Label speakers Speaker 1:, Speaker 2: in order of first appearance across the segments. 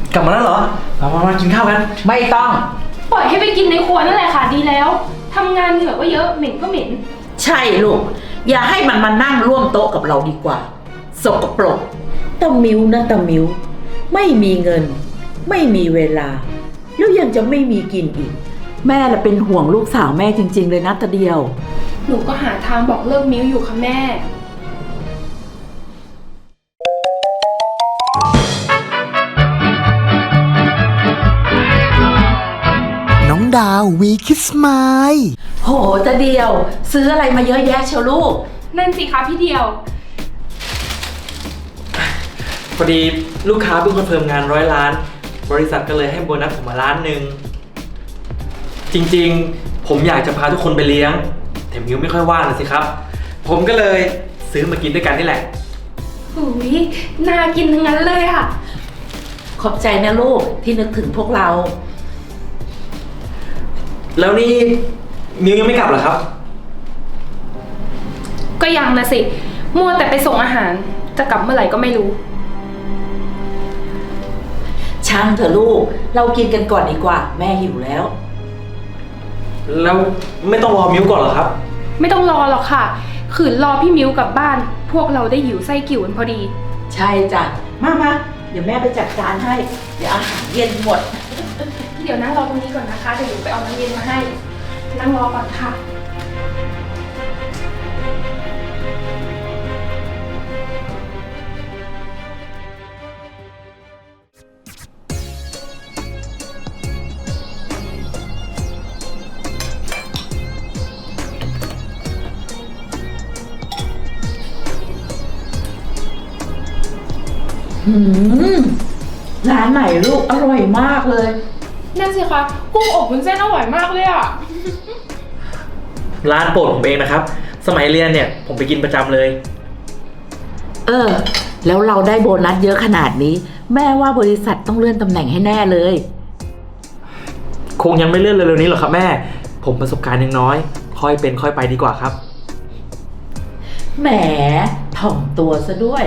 Speaker 1: กลับมาแล้วเหรอมากินข้าวกัน
Speaker 2: ไม่ต้อง
Speaker 3: ปล่อยให้ไปกินในครัวนั่นแหละค่ะดีแล้วทำงานเหนื่อยก็เยอะเหม็นก็เหม็น
Speaker 2: ใช่ลูกอย่าให้มันมานั่งร่วมโต๊ะกับเราดีกว่าสกปรกตะมิ้วนะตะมิ้วไม่มีเงิน ไม่มีเวลาแล้วยังจะไม่มีกินอีกแม่ละเป็นห่วงลูกสาวแม่จริงๆเลยนะตะเดียว
Speaker 3: หนูก็หาทางบอกเลิกมิ้วอยู่ค่ะแม่
Speaker 4: น้องดาววีคิสไมล์
Speaker 2: โหตะเดียวซื้ออะไรมาเยอะแยะเชียวลูก
Speaker 3: นั่นสิคะพี่เดียว
Speaker 1: พอดีลูกค้าเพิ่งคอนเฟิร์มงาน100 ล้านบริษัทก็เลยให้โบนัสผมมา1 ล้านจริงๆผมอยากจะพาทุกคนไปเลี้ยงแต่มิวไม่ค่อยว่างเลยสิครับผมก็เลยซื้อมากินด้วยกันนี่แหละ
Speaker 3: หูยน่ากินทั้งนั้นเลยค่ะ
Speaker 2: ขอบใจนะลูกที่นึกถึงพวกเรา
Speaker 1: แล้วนี่มิวยังไม่กลับเหรอครับ
Speaker 3: ก็ยังนะสิมัวแต่ไปส่งอาหารจะกลับเมื่อไหร่ก็ไม่รู้
Speaker 2: ช่างเถอะลูกเรากินกันก่อนดีกว่าแม่หิวแล้ว
Speaker 1: แล้วไม่ต้องรอมิวก่อนเหรอครับ
Speaker 3: ไม่ต้องรอหรอกค่ะขืนรอพี่มิ้วกลับบ้านพวกเราได้หิวไส้กิ่วกันพอดี
Speaker 2: ใช่จ้ะมาเดี๋ยวแม่ไปจัดการให้เดี๋ยวอาหารเย็นหมด
Speaker 3: เดี๋ยวนั่งรอตรงนี้ก่อนนะคะเดี๋ยวหนูไปเอาน้ำเย็นมาให้นั่งรอก่อนค่ะ
Speaker 2: ร้านไหนลูกอร่อยมากเลย
Speaker 3: นั่นสิคะกุ้งอบวุ้นเส้นอร่อยมากเลยอ่ะ
Speaker 1: ร้านโปรดผมเองนะครับสมัยเรียนเนี่ยผมไปกินประจำเลย
Speaker 2: แล้วเราได้โบนัสเยอะขนาดนี้แม่ว่าบริษัทต้องเลื่อนตำแหน่งให้แน่เลย
Speaker 1: คงยังไม่เลื่อนเร็วๆนี้หรอกครับแม่ผมประสบการณ์ยังน้อยค่อยเป็นค่อยไปดีกว่าครับ
Speaker 2: แหมถ่อมตัวซะด้วย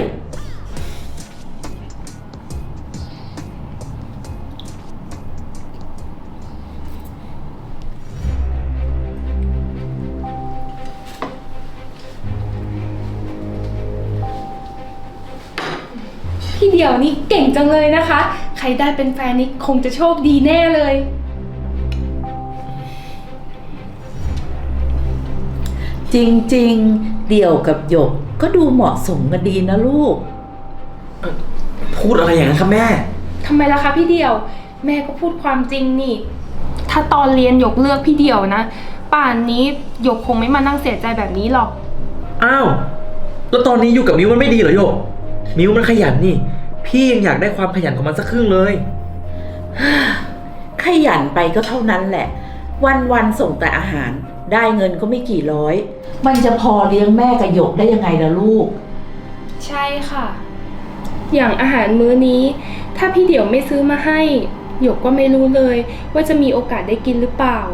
Speaker 3: พี่เดี่ยวนี่เก่งจังเลยนะคะใครได้เป็นแฟนนี่คงจะโชคดีแน่เลย
Speaker 2: จริงๆเดี่ยวกับหยกก็ดูเหมาะสมกันดีนะลูก
Speaker 1: พูดอะไรอย่างนั้นครับแม่
Speaker 3: ทำไมล่ะคะพี่เดี่ยวแม่ก็พูดความจริงนี่ถ้าตอนเรียนหยกเลือกพี่เดี่ยวนะป่านนี้หยกคงไม่มานั่งเสียใจแบบนี้หรอก
Speaker 1: อ้าวแล้วตอนนี้อยู่กับมิวมันไม่ดีเหรอหยกมิวมันขยันนี่พี่ยังอยากได้ความขยันของมันสักครึ่งเลย
Speaker 2: ขยันไปก็เท่านั้นแหละวันๆส่งแต่อาหารได้เงินก็ไม่กี่ร้อยมันจะพอเลี้ยงแม่กับหยกได้ยังไงล่ะลูก
Speaker 3: ใช่ค่ะอย่างอาหารมื้อนี้ถ้าพี่เดี่ยวไม่ซื้อมาให้หยกก็ไม่รู้เลยว่าจะมีโอกาสได้กินหรือเปล่า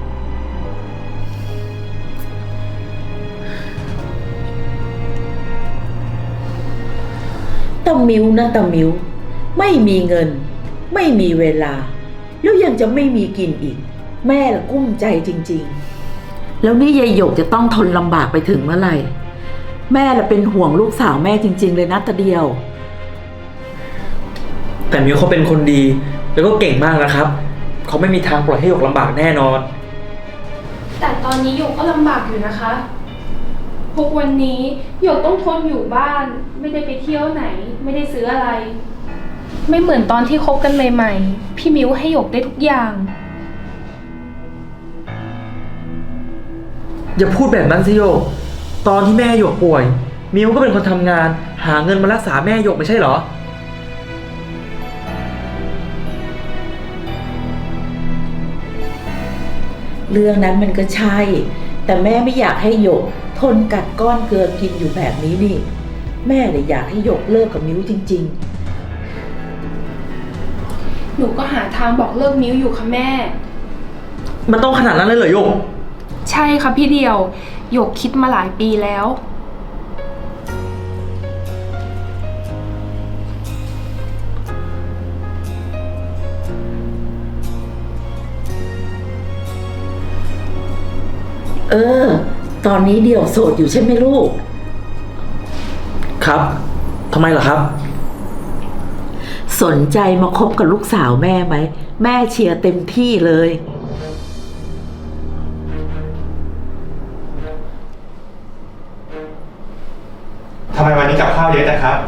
Speaker 2: ตะมิ้วนะตะมิ้วไม่มีเงินไม่มีเวลาแล้วยังจะไม่มีกินอีกแม่ละกุ้มใจจริงๆแล้วนี่ยายหยกจะต้องทนลำบากไปถึงเมื่อไหร่แม่ละเป็นห่วงลูกสาวแม่จริงๆเลยนะตะเดียว
Speaker 1: แต่มิวเขาเป็นคนดีแล้วก็เก่งมากนะครับเขาไม่มีทางปล่อยให้หยกลำบากแน่นอน
Speaker 3: แต่ตอนนี้หยกก็ลำบากอยู่นะคะพวกวันนี้หยกต้องทนอยู่บ้านไม่ได้ไปเที่ยวไหนไม่ได้ซื้ออะไรไม่เหมือนตอนที่คบกันใหม่ๆพี่มิ้วให้หยกได้ทุกอย่าง
Speaker 1: อย่าพูดแบบนั้นสิโยกตอนที่แม่หยกป่วยมิวก็เป็นคนทำงานหาเงินมารักษาแม่หยกไม่ใช่เหรอ
Speaker 2: เรื่องนั้นมันก็ใช่แต่แม่ไม่อยากให้หยกทนกัดก้อนเกลือกินอยู่แบบนี้นี่แม่เลยอยากให้หยกเลิกกับมิ้วจริง
Speaker 3: ๆหนูก็หาทางบอกเลิกมิ้วอยู่ค่ะแม่
Speaker 1: มันต้องขนาดนั้นเลยเหรอโยก
Speaker 3: ใช่ค่ะพี่เดียวหยกคิดมาหลายปีแล้ว
Speaker 2: ตอนนี้เดี่ยวโสดอยู่ใช่ไหมลูก
Speaker 1: ครับทำไมเหรอครับ
Speaker 2: สนใจมาคบกับลูกสาวแม่ไหม แม่เชียร์เต็มที่เลย
Speaker 5: ทำไมวันนี้กับข้าวเยอะจังครับ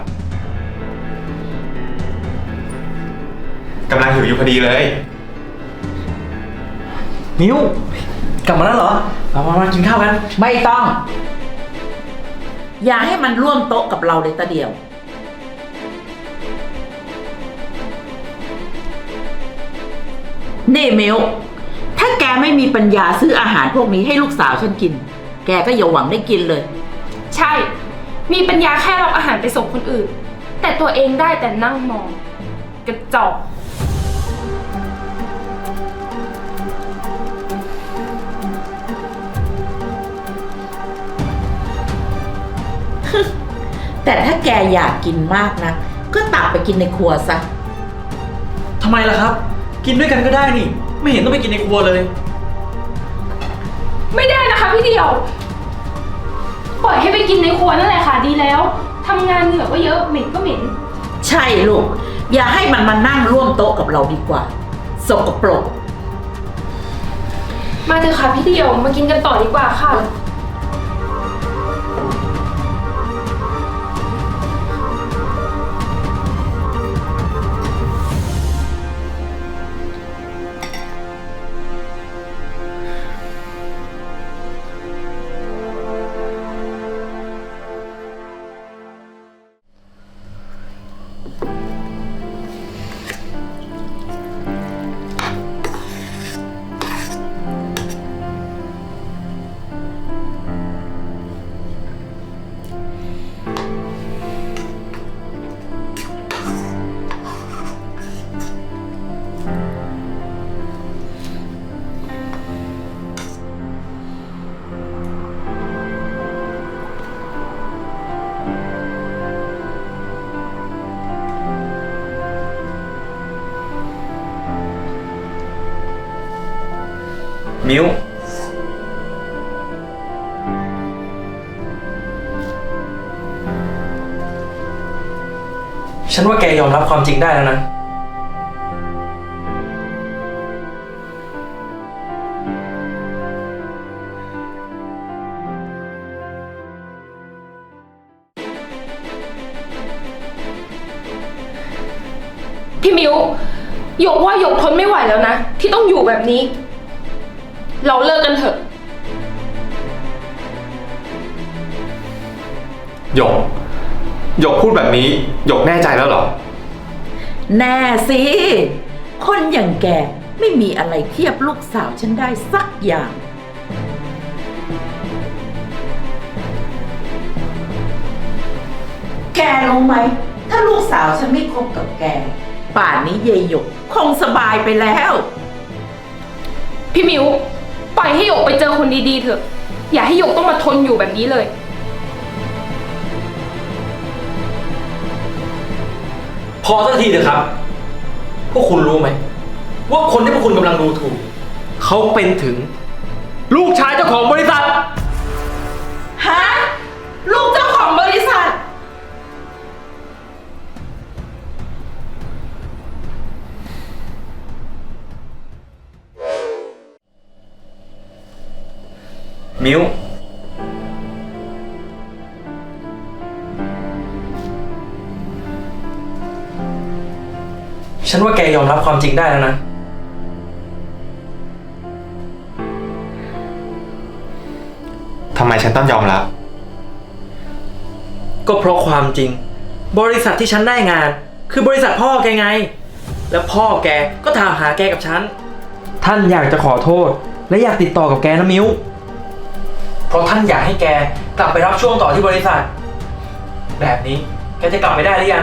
Speaker 5: กำลังหิวอยู่พอดีเลย
Speaker 1: มิวกลับมาแล้วเหรอมากินข้าวกัน
Speaker 2: ไม่ต้อง อย่าให้มันร่วมโต๊ะกับเราเลยตาเดียว นี่มิวถ้าแกไม่มีปัญญาซื้ออาหารพวกนี้ให้ลูกสาวฉันกิน แกก็อย่าหวังได้กินเลย
Speaker 3: ใช่ มีปัญญาแค่รับอาหารไปส่งคนอื่น แต่ตัวเองได้แต่นั่งมอง กระจอก
Speaker 2: แต่ถ้าแกอยากกินมากนะก็ตักไปกินในครัวซะ
Speaker 1: ทำไมล่ะครับ กินด้วยกันก็ได้นี่ ไม่เห็นต้องไปกินในครัวเลย
Speaker 3: ไม่ได้นะคะพี่เดียว ปล่อยให้ไปกินในครัวนั่นแหละค่ะดีแล้วทำงานเหนื่อยก็เยอะเหม็นก็เหม็น
Speaker 2: ใช่ลูก อย่าให้มันมานั่งร่วมโต๊ะกับเราดีกว่า สกปรก
Speaker 3: มาเถอะค่ะพี่เดียวมากินกันต่อดีกว่าค่ะ
Speaker 1: มิวฉันว่าแกยอมรับความจริงได้แล้วนะ
Speaker 3: พี่มิวหยกว่าหยกทนไม่ไหวแล้วนะ ที่ต้องอยู่แบบนี้ เราเลิกกันเถอะ
Speaker 5: หยก หยกพูดแบบนี้ หยกแน่ใจแล้วเหรอ
Speaker 2: แน่สิ คนอย่างแกไม่มีอะไรเทียบลูกสาวฉันได้สักอย่าง แกรู้ไหม ถ้าลูกสาวฉันไม่คบกับแก ป่านนี้เยายหยกคงสบายไปแล้ว
Speaker 3: พี่มิวปล่อยให้หยกไปเจอคนดีๆเถอะ อย่าให้หยกต้องมาทนอยู่แบบนี้เลย
Speaker 1: พอสักทีเถอะครับ พวกคุณรู้ไหม ว่าคนที่พวกคุณกำลังดูถูก เขาเป็นถึง ลูกชายเจ้าของบริษัท
Speaker 2: ฮะ ลูกเจ้าของบริษัท
Speaker 1: มิวฉันว่าแกยอมรับความจริงได้แล้วนะ
Speaker 5: ทำไมฉันต้องยอมรับ
Speaker 1: ก็เพราะความจริง บริษัทที่ฉันได้งาน คือบริษัทพ่อแกไง แล้วพ่อแกก็ถามหาแกกับฉัน ท่านอยากจะขอโทษ และอยากติดต่อกับแกนะมิวเพราะท่านอยากให้แกกลับไปรับช่วงต่อที่บริษัท แบบนี้แกจะกลับไปได้หรือยัง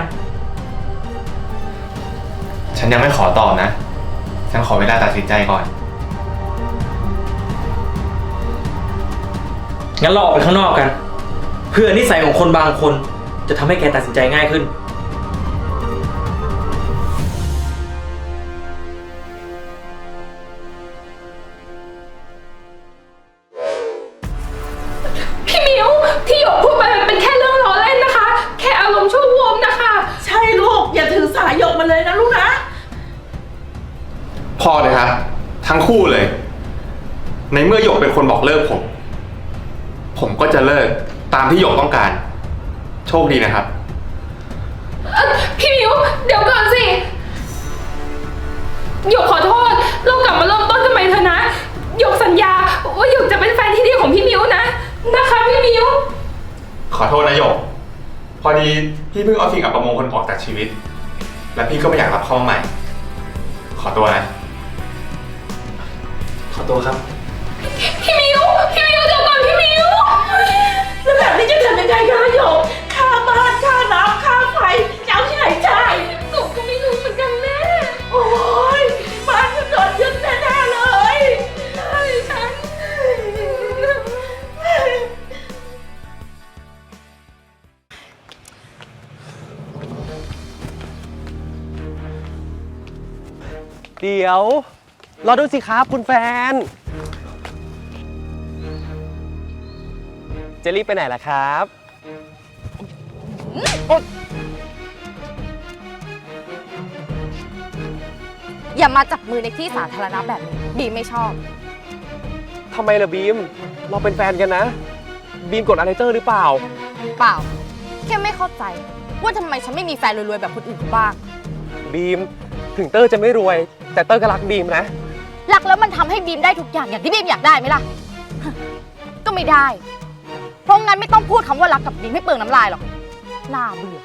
Speaker 5: ฉันยังไม่ขอตอบนะ ฉันขอเวลาตัดสินใจก่อน
Speaker 1: งั้นเราออกไปข้างนอกกัน เพื่อนิสัยของคนบางคนจะทำให้แกตัดสินใจง่ายขึ้น
Speaker 5: พอเลยครับ ทั้งคู่เลย ในเมื่อหยกเป็นคนบอกเลิกผมก็จะเลิกตามที่หยกต้องการ โชคดีนะครับ
Speaker 3: พี่มิวเดี๋ยวก่อนสิหยกขอโทษ เรากลับมาเริ่มต้นกันใหม่เถอะนะหยกสัญญาว่าหยกจะเป็นแฟนที่ดีของพี่มิวนะคะพี่มิว
Speaker 5: ขอโทษนะหยก พอดีพี่เพิ่งเอาสิ่งอัปมงคลออกจากชีวิต และพี่ก็ไม่อยากรับเข้ามาใหม่ ขอตัวนะ
Speaker 1: ขอตัวครับ
Speaker 3: พี่มิวเดี๋ยวก่อนพี่มิว
Speaker 2: แล้วแบบนี้จะทำยังไงกันล่ะหยกค่าบ้านค่าน้ำค่าไฟจะเอาที่ไหนจ่าย
Speaker 3: หนูก็ไม่รู้เหมือนกันแม่
Speaker 2: โอ้ยบ้านก็โดนยึดแน่ๆเลย
Speaker 3: ใช่ฉัน
Speaker 6: เดี๋ยวรอดูสิครับคุณแฟน จะรีบไปไหนล่ะครับ
Speaker 7: อย่ามาจับมือในที่สาธารณะแบบนี้บีมไม่ชอบ
Speaker 6: ทำไมล่ะบีม เราเป็นแฟนกันนะ บีมกดอะไรเตอร์หรือเปล่า
Speaker 7: เปล่า แค่ไม่เข้าใจ ว่าทำไมฉันไม่มีแฟนรวยๆแบบคนอื่นเขาบ้าง
Speaker 6: บีม ถึงเตอร์จะไม่รวย แต่เตอร์ก็รักบีมนะ
Speaker 7: รักแล้วมันทำให้บีมได้ทุกอย่างที่บีมอยากได้ไหมล่ะ ก็ไม่ได้ เพราะงั้นไม่ต้องพูดคำว่ารักกับบีมให้เปลืองน้ำลายหรอก น่าเบื่อ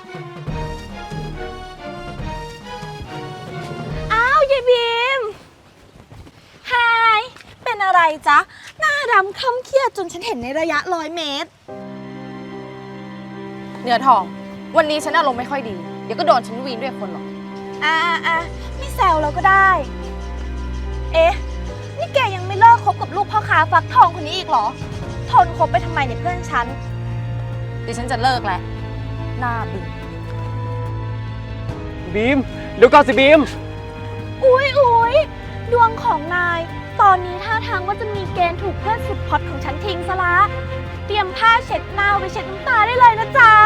Speaker 8: อ้าวยายบีมไฮเป็นอะไรจ๊ะ หน้าดำคล้ำเครียดจนฉันเห็นในระยะ100 เมตร
Speaker 7: เนื้อทอง วันนี้ฉันอารมณ์ไม่ค่อยดี เดี๋ยวก็โดนฉันวีนด้วยคนหรอก
Speaker 8: ไม่แซวเราก็ได้ เอ๊ะ นี่แกยังไม่เลิกคบกับลูกพ่อค้าฟักทองคนนี้อีกเหรอ ทนคบไปทำไมเนี่ยเพื่อนฉัน
Speaker 7: ดิฉันจะเลิกแล้ว น่าเบื่อ
Speaker 6: บีม เดี๋ยวก่อนสิบีม
Speaker 8: อุ๊ย ดวงของนาย ตอนนี้ท่าทางว่าจะมีเกณฑ์ถูกเพื่อนสุดฮอตของฉันทิ้งซะละ เตรียมผ้าเช็ดหน้าไว้เช็ดน้ำตาได้เลยนะจ๊ะ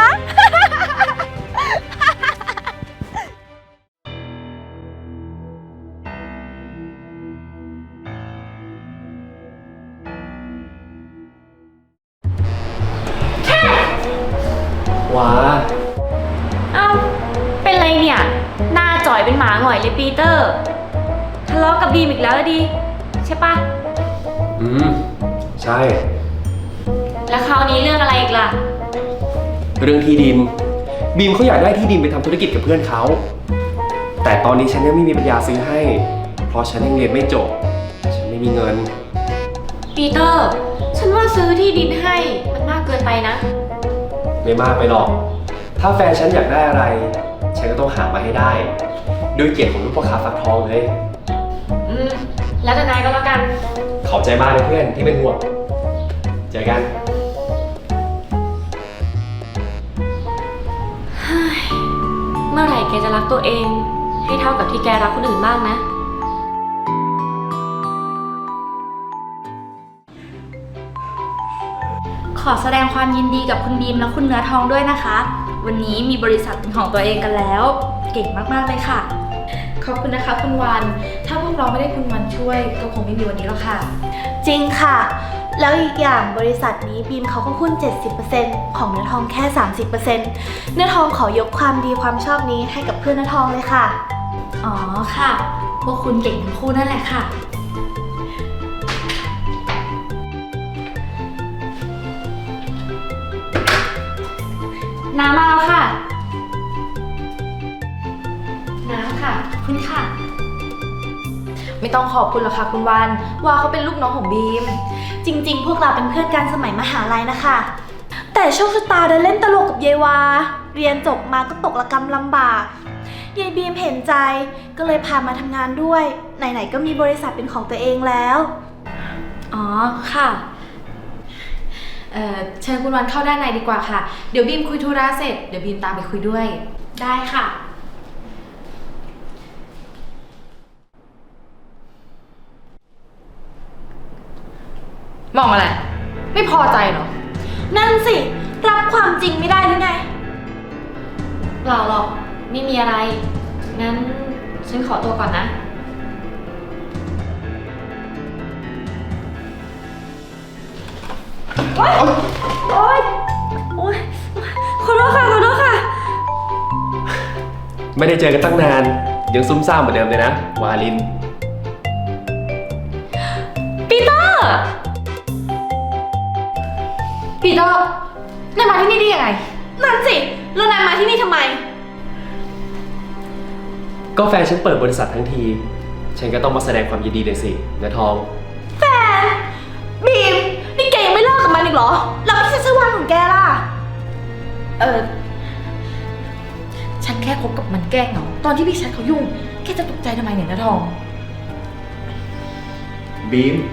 Speaker 1: ว้า
Speaker 9: เอ้า เป็นไรเนี่ย หน้าจ่อยเป็นหมาหงอยเลยปีเตอร์ ทะเลาะกับบีมอีกแล้วดิใช่ปะ
Speaker 6: ใช่
Speaker 9: แล้วคราวนี้เรื่องอะไรอีกล่ะ
Speaker 6: เรื่องที่ดิน บีมเขาอยากได้ที่ดินไปทำธุรกิจกับเพื่อนเขา แต่ตอนนี้ฉันยังไม่มีปัญญาซื้อให้ เพราะฉันยังเรียนไม่จบ ฉันไม่มีเงิน
Speaker 9: ปีเตอร์ ฉันว่าซื้อที่ดินให้มันมากเกินไปนะ
Speaker 6: ไม่มากไปหรอก ถ้าแฟนฉันอยากได้อะไร ฉันก็ต้องหามาให้ได้ ด้วยเกียรติของลูกพ่อค้าฟักทองเลย
Speaker 9: แล้วแต่นายก็แล้วกัน
Speaker 6: ขอบใจมากเลยเพื่อนที่เป็นห่วง เจอกัน
Speaker 9: เมื่อไหร่แกจะรักตัวเอง ให้เท่ากับที่แกรักคนอื่นบ้างนะ
Speaker 10: ขอแสดงความยินดีกับคุณบีมและคุณเนื้อทองด้วยนะคะ วันนี้มีบริษัทเป็นของตัวเองกันแล้ว เก่งมากๆเลยค่ะ ขอบคุณนะคะคุณวัน ถ้าพวกเราไม่ได้คุณวันช่วยก็คงไม่มีวันนี้แล้วค่ะ จริงค่ะ แล้วอีกอย่างบริษัทนี้บีมเขาก็หุ้น 70% ของเนื้อทองแค่ 30%เนื้อทองขอยกความดีความชอบนี้ให้กับเพื่อนเนื้อทองเลยค่ะ อ๋อค่ะ พวกคุณเก่งทั้งคู่นั่นแหละค่ะ น้ำมาแล้วค่ะ น้ำค่ะขอบคุณค่ะ ไม่ต้องขอบคุณหรอกค่ะคุณวันว่าเขาเป็นลูกน้องของบีม จริงๆ พวกเราเป็นเพื่อนกันสมัยมหาลัยนะคะ แต่โชคชะตาได้เล่นตลกกับเยวา เรียนจบมาก็ตกระกำลำบากยายบีมเห็นใจก็เลยพามาทำงานด้วย ไหนๆก็มีบริษัทเป็นของตัวเองแล้ว อ๋อค่ะ เชิญคุณวันเข้าด้านในดีกว่าค่ะ เดี๋ยวบีมคุยธุระเสร็จ เดี๋ยวบีมตามไปคุยด้วย ได้ค่ะ
Speaker 3: มองอะไร ไม่พอใจเหรอ
Speaker 10: นั่นสิ รับความจริงไม่ได้หรือไง
Speaker 9: เปล่าหรอก ไม่มีอะไร งั้นฉันขอตัวก่อนนะโอ๊ยขอโทษค่ะ ขอโทษค่ะ
Speaker 6: ไม่ได้เจอกันตั้งนาน ยังซุ่มซ่ามเหมือนเดิมเลยนะ วาลิน
Speaker 9: ปีเตอร์ ปีเตอร์นายมาที่นี่ได้ยังไง นั่นสิ แล้วนายมาที่นี่ทำไม
Speaker 6: ก็แฟนฉันเปิดบริษัททั้งที ฉันก็ต้องมาแสดงความยินดีเลยสิเนื้อทอง
Speaker 9: แฟน บีม นี่แกยังไม่เลิกกับมันอีกเหรอ แล้วพี่ชัชวานของแกล่ะ ฉันแค่คบกับมันแกล้งเหงาตอนที่พี่ชัดเขายุ่ง แกจะตกใจทำไมเนี่ยนะทอง
Speaker 6: บีม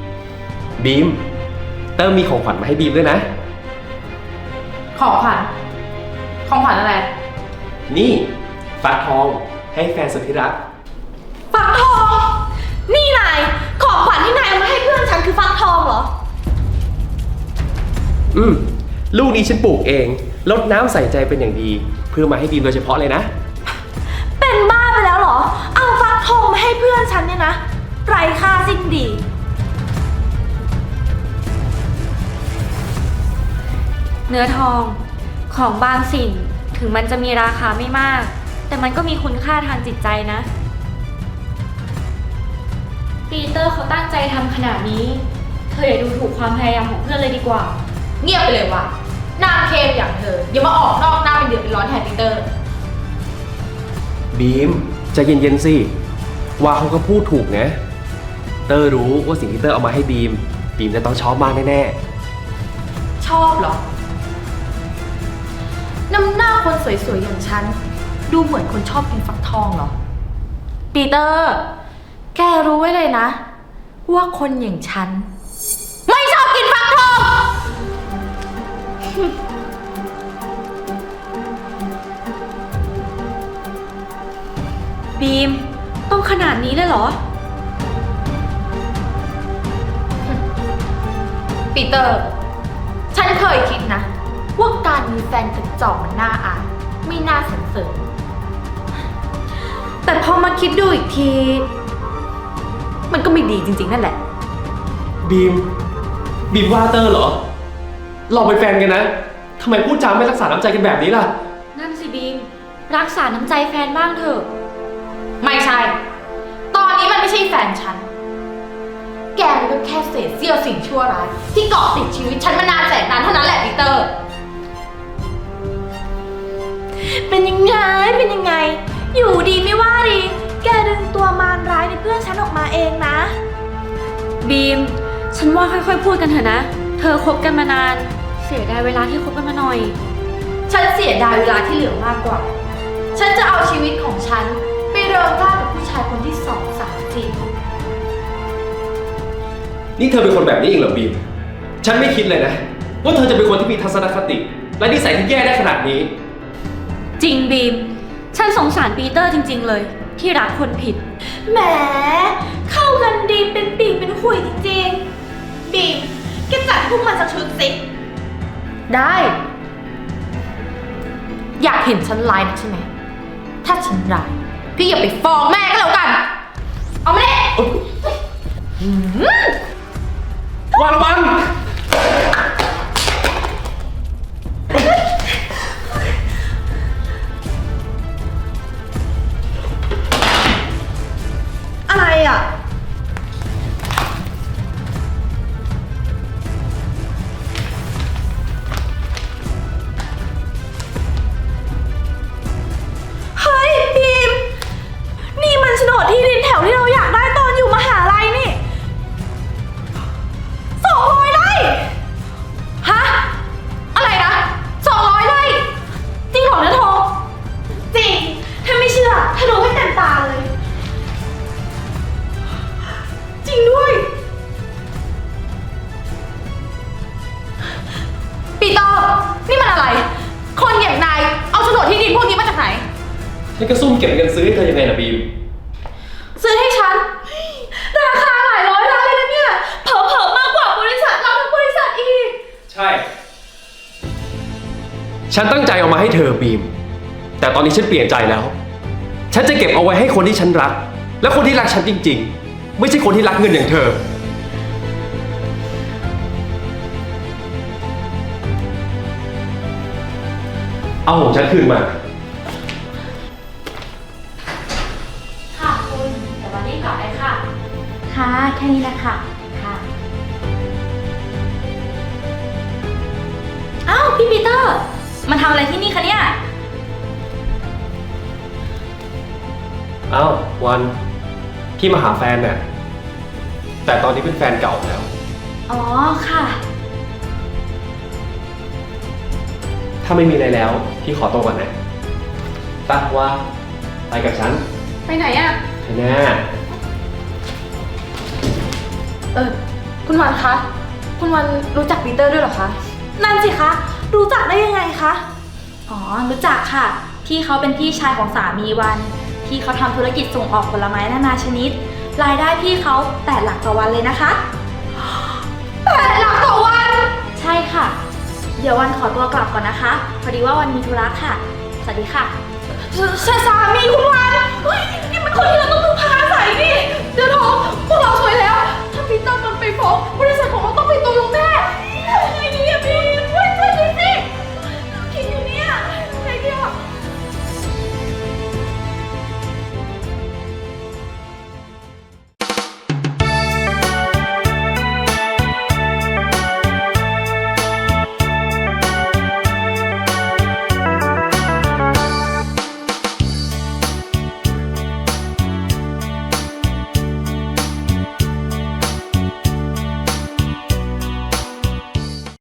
Speaker 6: เติมมีของขวัญมาให้บีมด้วยนะ
Speaker 9: ของขวัญ ของขวัญอะไร
Speaker 6: นี่ฟักทองให้แฟนสุดที่รัก
Speaker 9: ฟักทอง นี่นาย ของขวัญที่นายเอามาให้เพื่อนฉันคือฟักทองเหรอ
Speaker 6: ลูกนี้ฉันปลูกเองรดน้ำใส่ใจเป็นอย่างดี เพื่อมาให้บีมโดยเฉพาะเลยนะ
Speaker 9: เป็นบ้าไปแล้วเหรอ เอาฟักทองมาให้เพื่อนฉันเนี่ยนะไร้ค่าสิ้นดี
Speaker 10: เนื้อทองของบางสิ่งถึงมันจะมีราคาไม่มาก แต่มันก็มีคุณค่าทางจิตใจนะ ปีเตอร์เขาตั้งใจทำขนาดนี้เธออย่าดูถูกความพยายามของเพื่อนเลยดีกว่า
Speaker 7: เงียบไปเลยว่ะนางเคมอย่างเธออย่ามาออกนอกหน้าเป็นเดือดเป็นร้อนแทนปีเตอร์
Speaker 6: บีมใจเย็นๆสิว่าเขาก็พูดถูกนะเตอร์รู้ว่าสิ่งที่เตอร์เอามาให้บีมจะต้องชอบมากแน่
Speaker 7: ชอบเหรอ น้ำหน้าคนสวยๆอย่างฉัน ดูเหมือนคนชอบกินฟักทองเหรอ ปีเตอร์ แกรู้ไว้เลยนะ ว่าคนอย่างฉัน ไม่ชอบกินฟักทอง
Speaker 10: บีมต้องขนาดนี้เลยเหรอ
Speaker 7: ปีเตอร์ ฉันเคยคิดนะ ว่าการมีแฟนกระจอกมันน่าอายไม่น่าสรรเสริญแต่พอมาคิดดูอีกที มันก็ไม่ดีจริงๆนั่นแหละ
Speaker 6: ๆบีมว่าเตอร์เหรอเราเป็นแฟนกันนะทำไมพูดจาไม่รักษาน้ำใจกันแบบนี้ล่ะ
Speaker 10: นั่นสิบีมรักษาน้ำใจแฟนบ้างเถอะ
Speaker 7: ไม่ใช่ ตอนนี้มันไม่ใช่แฟนฉัน แกมันก็แค่เศษเสี้ยวสิ่งชั่วร้ายที่เกาะติดชีวิตฉันมานานแสนนานเท่านั้นแหละปีเตอร์
Speaker 8: เป็นยังไง เป็นยังไง อยู่ดีไม่ว่าดี แกดึงตัวมารร้ายในเพื่อนฉันออกมาเองนะ
Speaker 10: บีมฉันว่าค่อยๆพูดกันเถอะนะ เธอคบกันมานาน เสียดายเวลาที่คบกันมาหน่อย
Speaker 7: ฉันเสียดายเวลาที่เหลือมากกว่า ฉันจะเอาชีวิตของฉันไปเริงร่ากับผู้ชายคนที่2 3 4
Speaker 6: นี่เธอเป็นคนแบบนี้เองเหรอบีมฉันไม่คิดเลยนะว่าเธอจะเป็นคนที่มีทัศนคติและนิสัยที่แย่ได้ขนาดนี้
Speaker 10: จริงบีมฉันสงสารปีเตอร์จริงๆเลย ที่รักคนผิด
Speaker 8: แหม เข้ากันดีเป็นปีกเป็นขุยจริงๆ บีมแกจัดพวกมันสักชุดสิ
Speaker 7: ได้ อยากเห็นฉันร้ายนะใช่ไหม ถ้าฉันร้ายพี่อย่าไปฟ้องแม่ก็แล้วกัน เอามาดิ
Speaker 6: วางระวัง
Speaker 8: อะไรอ่ะ เฮ้ยบีม นี่มันโฉนดที่ดินแถวที่เราอยากได้ตอนอยู่มหาลัยนี่200 ไร่
Speaker 7: ฮะ อะไรนะ200 ไร่ จริงเหรอเนื้อทอง
Speaker 8: จริง ถ้าไม่เชื่อถ้าดูให้เต็มตาเลย จริงด้วย
Speaker 7: ปีเตอร์ นี่มันอะไร คนอย่างนายเอาโฉนดที่ดินพวกนี้มาจากไหน
Speaker 6: ฉันก็ซุ่มเก็บเงินซื้อให้เธอยังไงล่ะบีม
Speaker 7: ซื้อให้ฉัน ราคาหลายร้อยล้านเลยนะเนี่ย เผลอๆมากกว่าบริษัทเราทั้งบริษัทอีก
Speaker 6: ใช่ ฉันตั้งใจเอามาให้เธอบีม แต่ตอนนี้ฉันเปลี่ยนใจแล้ว ฉันจะเก็บเอาไว้ให้คนที่ฉันรัก และคนที่รักฉันจริงๆ ไม่ใช่คนที่รักเงินอย่างเธอเอาของฉันคืนมา
Speaker 9: ค่ะคุณเดี๋ยววันนี้กลับไปค่ะ ค่ะ แค่นี้นะคะค่ะ
Speaker 10: อ้าวพี่ปีเตอร์ มาทำอะไรที่นี่คะเนี่ย
Speaker 6: เอ้าวันพี่มาหาแฟนเนี่ยแต่ตอนนี้เป็นแฟนเก่าแล้ว
Speaker 10: อ๋อค่ะ
Speaker 6: ถ้าไม่มีอะไรแล้ว พี่ขอตัวก่อนนะตักว่าไปกับฉัน
Speaker 3: ไปไหนอะ
Speaker 6: ไปแน่
Speaker 10: คุณวันคะ คุณวันรู้จักปีเตอร์ด้วยเหรอคะ นั่นสิคะ รู้จักได้ยังไงคะ อ๋อ รู้จักค่ะ พี่เขาเป็นพี่ชายของสามีวัน พี่เขาทำธุรกิจส่งออกผลไม้นานาชนิด รายได้พี่เขา8 หลักต่อวันเลยนะคะ8 หลักต่อวัน ใช่ค่ะ เดี๋ยววันขอตัวกลับก่อนนะคะ พอดีว่าวันมีธุระค่ะ สวัสดีค่ะสามีคุณวันเฮ้ยนี่มันคนที่เราต้อง